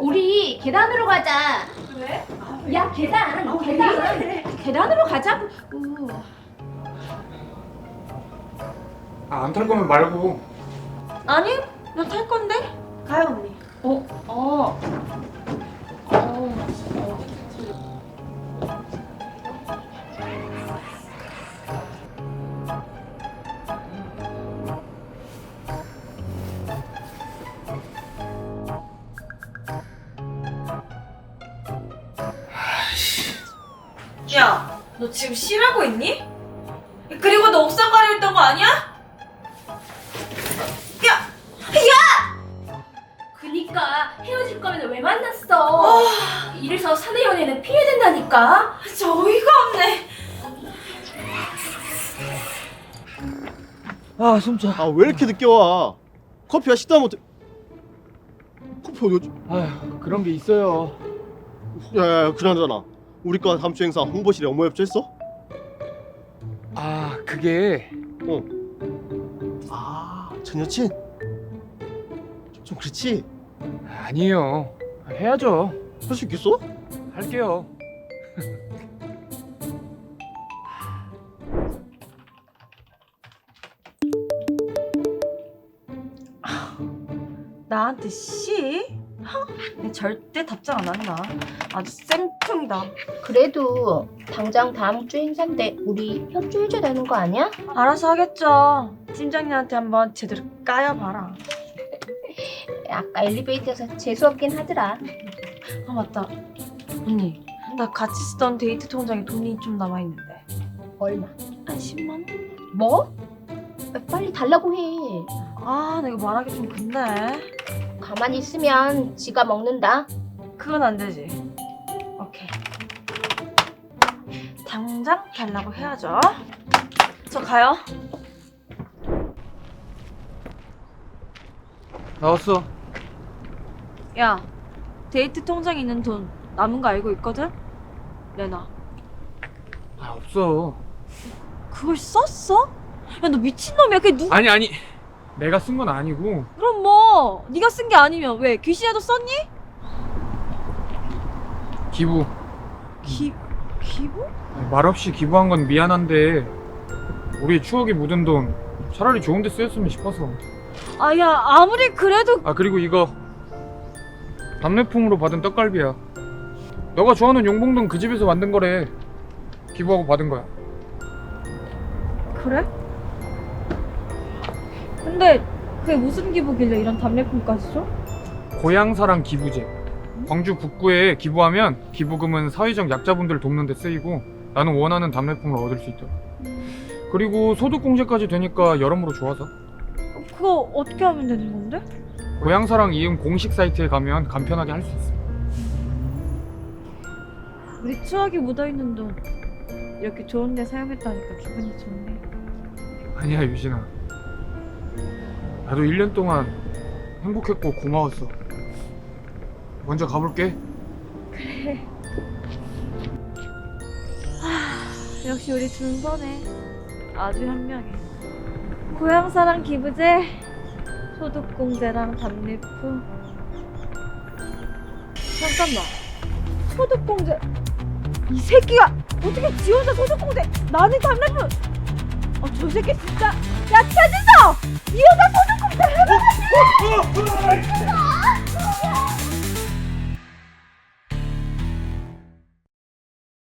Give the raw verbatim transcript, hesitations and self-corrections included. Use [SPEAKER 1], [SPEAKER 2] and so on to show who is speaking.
[SPEAKER 1] 우리 계단으로 가자.
[SPEAKER 2] 왜?
[SPEAKER 1] 야, 계단.
[SPEAKER 2] 어,
[SPEAKER 1] 계단.
[SPEAKER 2] 왜?
[SPEAKER 1] 계단으로 가자고.
[SPEAKER 3] 아, 안 탈 거면 말고.
[SPEAKER 4] 아니, 나 탈 건데?
[SPEAKER 2] 가요 언니.
[SPEAKER 1] 어, 어. 어.
[SPEAKER 4] 야, 너 지금 쉬라고 있니? 그리고 너 옥상 가려 했던 거 아니야? 야! 야!
[SPEAKER 1] 그니까 헤어질 거면 왜 만났어? 이래서 사내 연애는 피해야 된다니까.
[SPEAKER 4] 진짜 어이가 없네.
[SPEAKER 5] 아 숨차.
[SPEAKER 6] 아 왜 이렇게 늦게 와? 커피야 식다 못해. 커피 어디 갔지?
[SPEAKER 5] 아휴 그런 게 있어요.
[SPEAKER 6] 야야야 그나저나 우리 과 다음 주 행사 홍보실에 업무 협조했어?
[SPEAKER 5] 아 그게
[SPEAKER 6] 어. 아전 여친? 좀 그렇지?
[SPEAKER 5] 아니에요. 해야죠.
[SPEAKER 6] 할 수 있겠어?
[SPEAKER 5] 할게요.
[SPEAKER 4] 나한테 씨? 내 절대 답장 안 한다. 아주 쌩통이다.
[SPEAKER 1] 그래도 당장 다음 주 행사인데 우리 협조해줘야 되는 거 아니야?
[SPEAKER 4] 알아서 하겠죠. 팀장님한테 한번 제대로 까여봐라.
[SPEAKER 1] 아까 엘리베이터에서 재수없긴 하더라.
[SPEAKER 4] 아 맞다. 언니, 나 같이 쓰던 데이트 통장에 돈이 좀 남아있는데.
[SPEAKER 1] 얼마?
[SPEAKER 4] 한 십만 원?
[SPEAKER 1] 뭐? 빨리 달라고 해.
[SPEAKER 4] 아, 나 이거 말하기 좀 근데.
[SPEAKER 1] 가만히 있으면 지가 먹는다.
[SPEAKER 4] 그건 안 되지. 오케이. 당장 달라고 해야죠. 저 가요.
[SPEAKER 5] 나왔어.
[SPEAKER 4] 야, 데이트 통장에 있는 돈 남은 거 알고 있거든? 내놔.
[SPEAKER 5] 아 없어.
[SPEAKER 4] 그걸 썼어? 야, 너 미친놈이야. 그게 누...
[SPEAKER 5] 아니 아니. 내가 쓴 건 아니고.
[SPEAKER 4] 그럼 뭐 네가 쓴 게 아니면 왜 귀신이라도 썼니?
[SPEAKER 5] 기부.
[SPEAKER 4] 기... 기부?
[SPEAKER 5] 말없이 기부한 건 미안한데 우리 추억이 묻은 돈 차라리 좋은 데 쓰였으면 싶어서.
[SPEAKER 4] 아, 야, 아무리 그래도...
[SPEAKER 5] 아 그리고 이거 답례품으로 받은 떡갈비야. 너가 좋아하는 용봉동 그 집에서 만든 거래. 기부하고 받은 거야.
[SPEAKER 4] 그래? 근데 그게 무슨 기부길래 이런 답례품까지 줘?
[SPEAKER 5] 고향사랑 기부제. 광주 북구에 기부하면 기부금은 사회적 약자분들 돕는 데 쓰이고 나는 원하는 답례품을 얻을 수 있더라. 그리고 소득공제까지 되니까 여러모로 좋아서.
[SPEAKER 4] 그거 어떻게 하면 되는 건데?
[SPEAKER 5] 고향사랑 이응 공식 사이트에 가면 간편하게 할 수 있어.
[SPEAKER 4] 우리 추억이 묻어있는 돈 이렇게 좋은 데 사용했다니까 기분이 좋네.
[SPEAKER 5] 아니야 유진아. 나도 일 년 동안 행복했고 고마웠어. 먼저 가볼게.
[SPEAKER 4] 역시 우리 준서네. 아주 현명해. 고향사랑 기부제, 소득공제랑 답례품. 잠깐만. 소득공제. 이 새끼가 어떻게 지 혼자 소득공제, 나는 답례품. 어, 저 새끼 진짜. 야, 최진서! 이 여자 소득공제